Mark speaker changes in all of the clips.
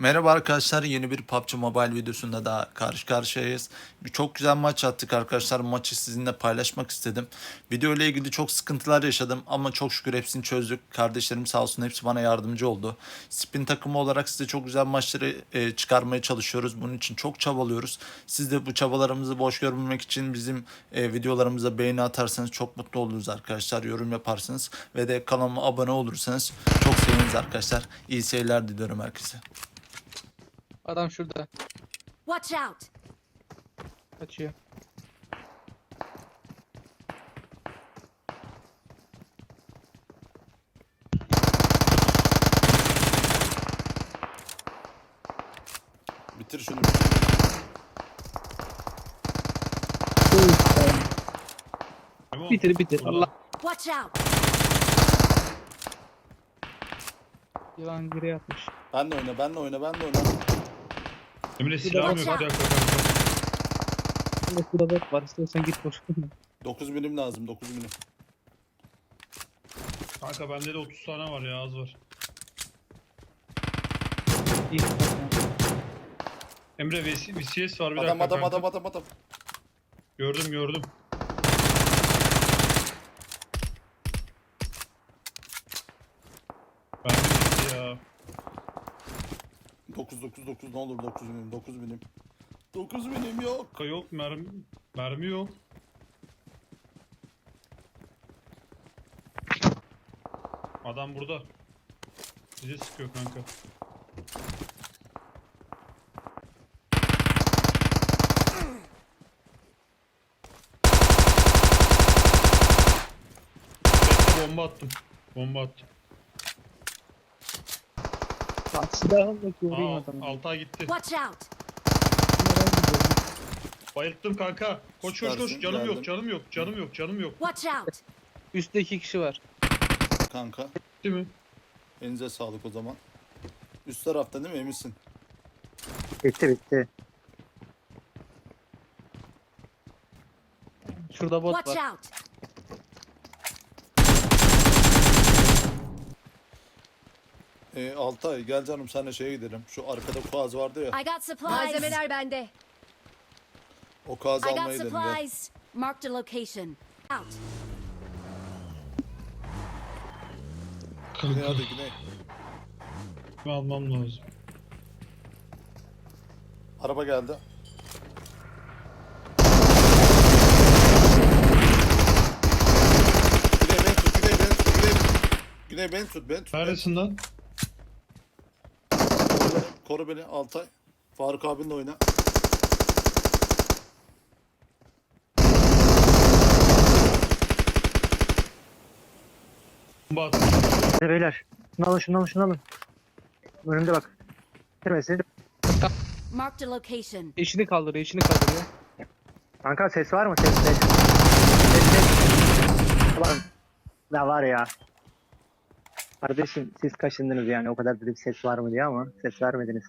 Speaker 1: Merhaba arkadaşlar, yeni bir PUBG Mobile videosunda daha karşı karşıyayız. Çok güzel maç attık arkadaşlar. Maçı sizinle paylaşmak istedim. Video ile ilgili çok sıkıntılar yaşadım ama çok şükür hepsini çözdük. Kardeşlerim sağ olsun hepsi bana yardımcı oldu. Spin takımı olarak size çok güzel maçları çıkarmaya çalışıyoruz. Bunun için çok çabalıyoruz. Siz de bu çabalarımızı boş görmemek için bizim videolarımıza beğeni atarsanız çok mutlu oluruz arkadaşlar. Yorum yaparsınız ve de kanalıma abone olursanız çok seviniriz arkadaşlar. İyi seyirler diliyorum herkese.
Speaker 2: Adam şurada
Speaker 3: Watch out!
Speaker 2: kaçıyor.
Speaker 1: Bitir şunu.
Speaker 2: Bitir. Allah.
Speaker 3: Watch out!
Speaker 2: Yılan geri yatmış.
Speaker 1: Benle oyna.
Speaker 4: Emre silahım yok.
Speaker 3: Watch
Speaker 4: Bir
Speaker 3: out.
Speaker 4: dakika kanka.
Speaker 2: Burada şurada bot var. İstiyorsan git boş.
Speaker 1: 9 milim lazım, 9 milim.
Speaker 4: Kanka bende de 30 tane var ya, az var.
Speaker 2: İyi.
Speaker 4: Emre VCS var, bir
Speaker 1: Adam
Speaker 4: dakika kanka.
Speaker 1: adam.
Speaker 4: Gördüm. Ben de ya.
Speaker 1: 9 ne olur 9 milim, 9 milim. 9 milim yok.
Speaker 4: Kanka yok mermi yok. Adam burada. Bize sıkıyor kanka. Bekle, bomba attım.
Speaker 2: Silahımla vurayım adamı.
Speaker 4: Alta gitti.
Speaker 3: Watch out!
Speaker 4: Bayılttım kanka. Koş.
Speaker 1: Süpersin,
Speaker 4: Canım yok.
Speaker 3: Watch out!
Speaker 2: Üstte 2 kişi var.
Speaker 1: Kanka,
Speaker 4: Değil mi?
Speaker 1: elinize sağlık o zaman. Üst tarafta değil mi, eminsin?
Speaker 5: Bitti.
Speaker 2: Şurada bot
Speaker 3: Watch
Speaker 2: var.
Speaker 3: out!
Speaker 1: Altay gel canım, senle şeye gidelim. Şu arkada kuaz vardı ya,
Speaker 3: I got supplies. Malzemeler bende.
Speaker 1: o kuazı
Speaker 3: I got
Speaker 1: almaya gidelim gel.
Speaker 3: supplies. Marked a location. Out.
Speaker 1: Güney hadi güney.
Speaker 4: Almam lazım.
Speaker 1: Araba geldi. Güney beni tut.
Speaker 4: Neredesin lan?
Speaker 1: Koru beni Altay. Faruk abinle oyna.
Speaker 4: Bomba at.
Speaker 5: Hadi beyler. Şunu alın. Önümde bak. Bitirmesin.
Speaker 3: Marked a location.
Speaker 2: Eşini kaldırıyor.
Speaker 5: Kanka ses var mı? Ses. Ulan. Ne var ya. Kardeşim siz kaşındınız yani. O kadar dedik ses var mı diye ama ses vermediniz.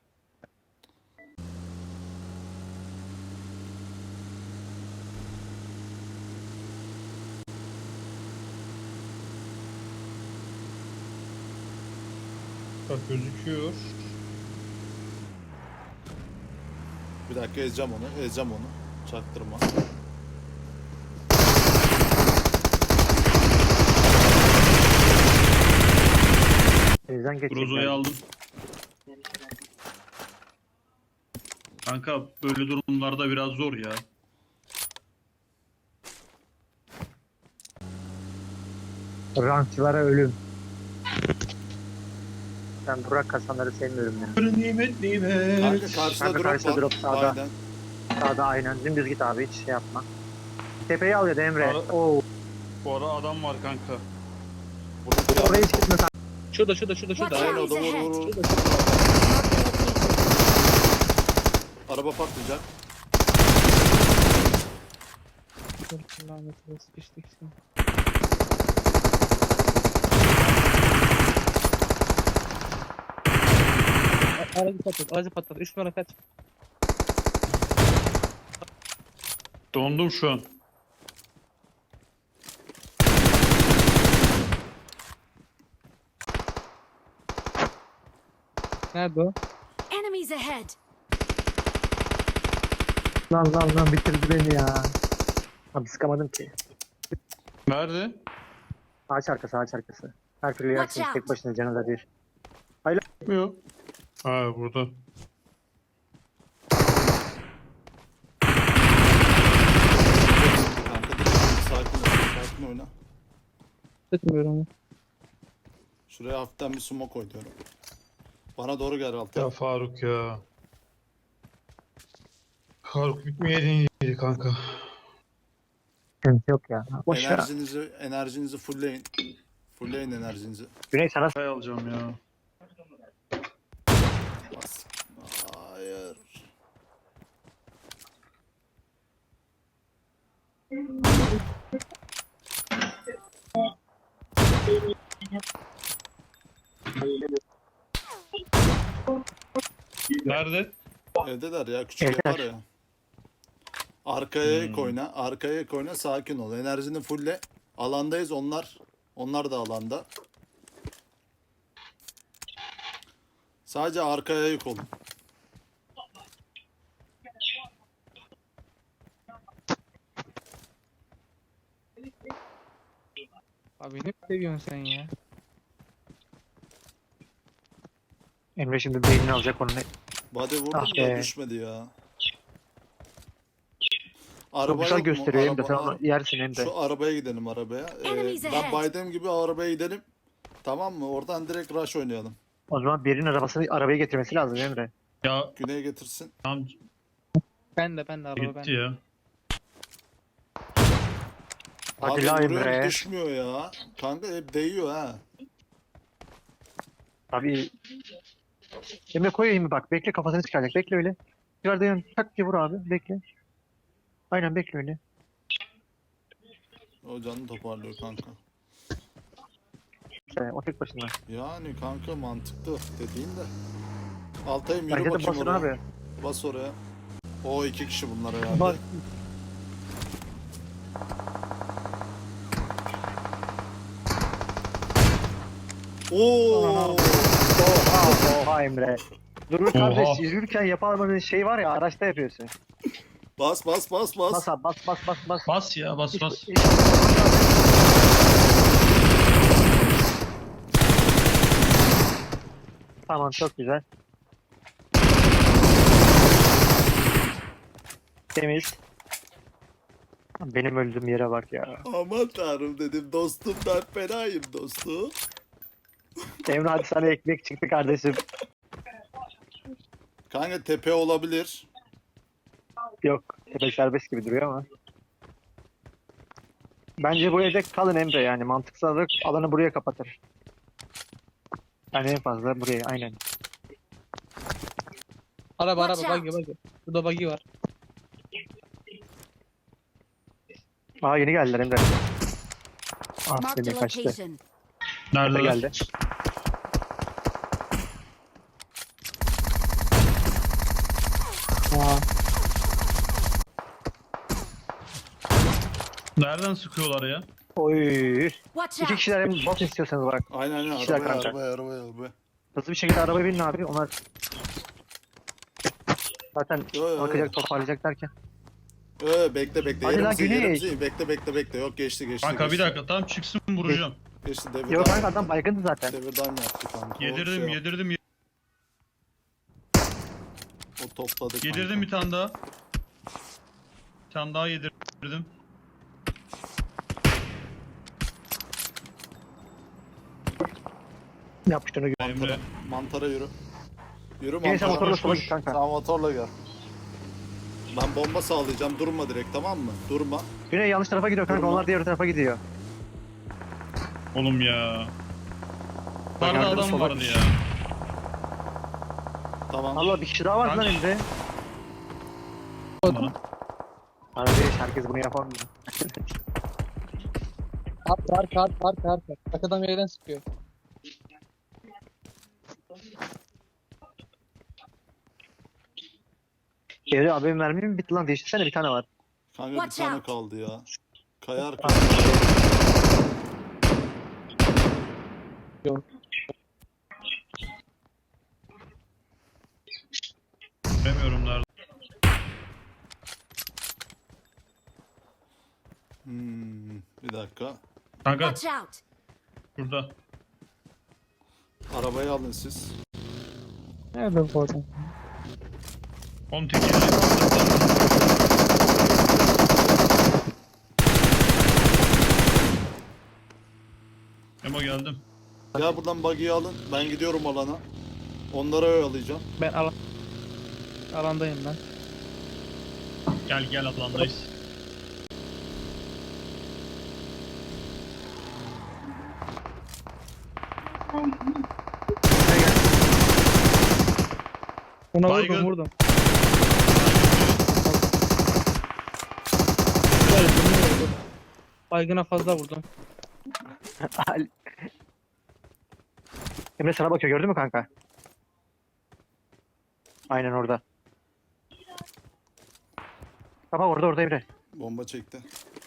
Speaker 4: Bak gözüküyor.
Speaker 1: Bir dakika ezeceğim onu. Çaktırma.
Speaker 5: Evden geçecekler.
Speaker 4: Brozo'yu aldım. Kanka böyle durumlarda biraz zor ya.
Speaker 5: Rankçılara ölüm. Ben Burak kasanları sevmiyorum ya.
Speaker 4: Nimet.
Speaker 1: Kanka karşıda
Speaker 5: Kanka
Speaker 1: drop
Speaker 5: karşıda
Speaker 1: var.
Speaker 5: drop sağda.
Speaker 1: Aynen.
Speaker 5: Sağda aynen. Dümdüz git abi hiç şey yapma. Tepeyi al ya da Emre.
Speaker 4: Ara-
Speaker 5: Oo.
Speaker 4: Bu ara adam var kanka.
Speaker 1: Burada
Speaker 5: Oraya hiç gitme kanka.
Speaker 2: Şurada.
Speaker 3: Watch
Speaker 1: Aynen
Speaker 3: out!
Speaker 1: o da vur.
Speaker 3: Marked a location.
Speaker 1: Araba patlayacak.
Speaker 2: Lanet olası sıkıştık şimdi. Aracı patlat. 3 numara kaç.
Speaker 4: Dondum şu an.
Speaker 2: Nerede o?
Speaker 3: Enemies ahead.
Speaker 5: Lan bitirdi beni ya. Abi sıkamadım ki.
Speaker 4: Nerede?
Speaker 5: Ağaç arkası. Her türlü
Speaker 3: Watch
Speaker 5: yersiniz
Speaker 3: out.
Speaker 5: tek başına canı da bir.
Speaker 4: Yok. Ha burada.
Speaker 1: Kanka dur, sakin oyna.
Speaker 2: Tutmuyorum.
Speaker 1: Şuraya hafiften bir smoke koyuyorum. Bana doğru gel Altay.
Speaker 4: Ya Faruk ya. Faruk bitmeyeydin iyiydi kanka.
Speaker 5: Sıkıntı yok ya. Boş ver.
Speaker 1: Enerjinizi fullleyin. Fullleyin enerjinizi.
Speaker 5: Güney sana
Speaker 4: Kay alacağım ya.
Speaker 1: Bas. Hayır.
Speaker 4: Nerede?
Speaker 1: Evdeler ya, küçük
Speaker 5: Evdeler.
Speaker 1: var ya. Arkaya koyna, arkaya koyna, sakin ol. Enerjini fulle. Alandayız onlar. Onlar da alanda. Sadece arkaya yük olun.
Speaker 2: Abi ne seviyorsun sen ya?
Speaker 5: Emre şimdi beynini alacak onu.
Speaker 1: Body vurdum
Speaker 5: Ah
Speaker 1: da
Speaker 5: be.
Speaker 1: düşmedi ya.
Speaker 5: Çok
Speaker 1: Araba
Speaker 5: güzel
Speaker 1: yok mu?
Speaker 5: gösteriyor Emre. Sen
Speaker 1: Araba-
Speaker 5: onu yersin Emre.
Speaker 1: Şu arabaya gidelim arabaya.
Speaker 3: Enemies
Speaker 1: Ben
Speaker 3: ahead.
Speaker 1: baydığım gibi arabaya gidelim. Tamam mı? Oradan direkt rush oynayalım.
Speaker 5: O zaman birinin arabasını arabaya getirmesi lazım Emre.
Speaker 4: Ya
Speaker 1: Güney'e getirsin.
Speaker 4: tam
Speaker 2: Ben de araba ben.
Speaker 4: gitti ya.
Speaker 5: Hadi
Speaker 1: Abi
Speaker 5: la
Speaker 1: vuruyorum,
Speaker 5: Emre.
Speaker 1: düşmüyor ya. Kanka hep değiyor ha.
Speaker 5: Abi Emre koyayım mı bak. Bekle kafasını çıkaracak. Bekle öyle. Çıkardığı yan tak diye vur abi. Bekle. Aynen bekle öyle.
Speaker 1: O canını toparlıyor kanka.
Speaker 5: O tek başına.
Speaker 1: Yani kanka mantıklı dediğin de. Altay'ım yürü
Speaker 5: Bence de
Speaker 1: bakayım
Speaker 5: basın
Speaker 1: oraya.
Speaker 5: abi.
Speaker 1: Bas oraya. O iki kişi bunlar herhalde.
Speaker 5: Bak.
Speaker 1: Oo!
Speaker 5: Oha Emre. Durur kardeş yürürken yapamadığın şey var ya araçta yapıyorsun.
Speaker 1: Bas bas bas bas.
Speaker 5: Bas abi bas.
Speaker 4: Bas ya bas bas.
Speaker 5: Tamam çok güzel. Temiz. Benim öldüğüm yere bak ya.
Speaker 1: Aman tanrım dedim dostum, ben fenayım dostum.
Speaker 5: Emre hadi sana ekmek çıktı kardeşim.
Speaker 1: Kanka tepe olabilir.
Speaker 5: Yok tepe serbest gibi duruyor ama. Bence bu evde kalın Emre yani mantıksal olarak alanı buraya kapatır. Yani en fazla buraya aynen.
Speaker 2: Araba
Speaker 3: Watch
Speaker 2: buggy. Burada buggy var.
Speaker 5: Aa yeni geldiler Emre. Ah
Speaker 3: Marked a
Speaker 5: seni kaçtı.
Speaker 3: location.
Speaker 5: Tepe
Speaker 4: Nerede?
Speaker 5: geldi.
Speaker 2: Aa.
Speaker 4: Nereden sıkıyorlar ya?
Speaker 5: Oy.
Speaker 3: Watch
Speaker 5: İki
Speaker 3: out.
Speaker 5: kişiler hem bot istiyorsanız bak.
Speaker 1: Aynen
Speaker 5: İşler
Speaker 1: arabaya,
Speaker 5: kanka.
Speaker 1: arabaya.
Speaker 5: Hızlı bir şekilde arabaya binin abi. Onlar zaten
Speaker 1: Yo.
Speaker 5: bakacak toparlayacak derken.
Speaker 1: Bekle.
Speaker 5: Hadi lan, Güney.
Speaker 1: Yerimizi iyi. Bekle. Yok geçti.
Speaker 4: Kanka bir
Speaker 1: geçti.
Speaker 4: dakika tam çıksın vuracağım.
Speaker 1: Geçti
Speaker 5: Yok
Speaker 1: devirden.
Speaker 5: kanka adam baygındı zaten.
Speaker 1: Devirden yaptı kanka. O
Speaker 4: Yedirdim
Speaker 1: şey-
Speaker 4: yedirdim
Speaker 1: O topladı kanka.
Speaker 4: yedirdim bir tane daha. Bir tane daha yedirdim.
Speaker 5: Yapmış onu.
Speaker 4: Emre.
Speaker 1: Mantara yürü. Yürü
Speaker 5: Yine sen
Speaker 1: mantara.
Speaker 5: motorla
Speaker 4: koş,
Speaker 5: sola
Speaker 4: koş.
Speaker 5: git kanka.
Speaker 1: Sen motorla gel. Ben bomba sağlayacağım. Durma direkt, tamam mı? Durma.
Speaker 5: Güney yanlış tarafa gidiyor kanka.
Speaker 1: Durma.
Speaker 5: Onlar diğer tarafa gidiyor.
Speaker 4: Oğlum ya. Yukarıda
Speaker 5: yardım
Speaker 4: adam
Speaker 5: sola
Speaker 4: vardı
Speaker 5: git.
Speaker 4: ya.
Speaker 1: Tamam.
Speaker 5: Allah bir kişi daha var lan
Speaker 4: Kanka.
Speaker 5: Emre.
Speaker 4: Bana.
Speaker 5: Kardeş herkes bunu yapamıyor.
Speaker 2: Arka. Arkadan bir yerden sıkıyor.
Speaker 5: Emre abi mermi mi bitti lan? Değiştirsene bir tane var.
Speaker 1: Kanka bir
Speaker 3: Watch
Speaker 1: tane
Speaker 3: out.
Speaker 1: kaldı ya. Kayar.
Speaker 2: Yok.
Speaker 1: dakika.
Speaker 4: Kanka
Speaker 3: Watch out!
Speaker 4: şurada.
Speaker 1: Arabayı alın siz.
Speaker 2: Nerede bu adam?
Speaker 4: Oğlum tekerleği Emo geldim.
Speaker 1: Ya buradan buggy'yi alın. Ben gidiyorum alana. Onları oyalayacağım.
Speaker 2: Ben alandayım ben.
Speaker 4: Gel gel alandayız.
Speaker 2: Ona
Speaker 4: Baygın.
Speaker 2: vurdum. Evet, bunu vurdum. Baygına fazla vurdum.
Speaker 5: Emre sana bakıyor gördün mü kanka? Aynen orada. Baba orada Emre.
Speaker 1: Bomba çekti.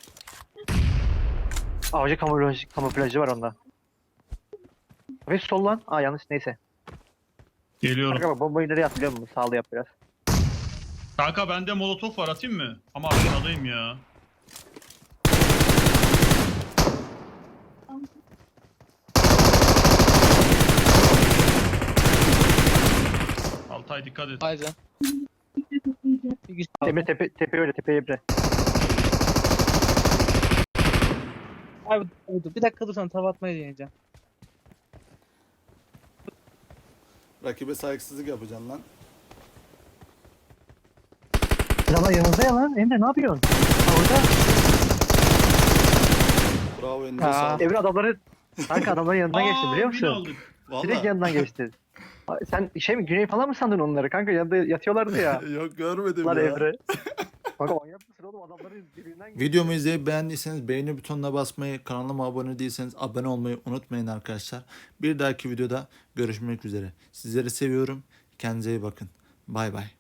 Speaker 5: Avcı kamuflajı var onda. Ve sol lan. Aa yanlış neyse.
Speaker 4: Geliyorum.
Speaker 5: Kanka bak bombayı nereye at biliyor musun? Sağlı yap biraz.
Speaker 4: Kanka bende molotof var, atayım mı? Ama aşağıdayım ya. Altay dikkat et.
Speaker 2: Aynen.
Speaker 5: Emre tepe öyle tepe Emre.
Speaker 2: Abi bir dakika dursan tava atmayı deneyeceğim.
Speaker 1: Rakibe saygısızlık yapacaksın lan.
Speaker 5: Ama yanınızda ya lan. Emre ne yapıyorsun? Orada.
Speaker 1: Bravo elinize
Speaker 2: Aa.
Speaker 1: sağlık.
Speaker 5: Emre adamları kanka adamların yanından geçti biliyor
Speaker 4: win
Speaker 5: musun?
Speaker 4: aldık.
Speaker 5: Direkt
Speaker 1: Valla.
Speaker 5: yanından geçti. Sen şey mi Güney falan mı sandın onları kanka? Yanında yatıyorlardı ya.
Speaker 1: Yok görmedim
Speaker 5: Lan
Speaker 1: ya.
Speaker 5: Emre. Kanka manyak mısın oğlum adamların dibinden geçti.
Speaker 1: Videomu izleyip beğendiyseniz beğeni butonuna basmayı, kanalıma abone değilseniz abone olmayı unutmayın arkadaşlar. Bir dahaki videoda görüşmek üzere. Sizleri seviyorum. Kendinize iyi bakın. Bay bay.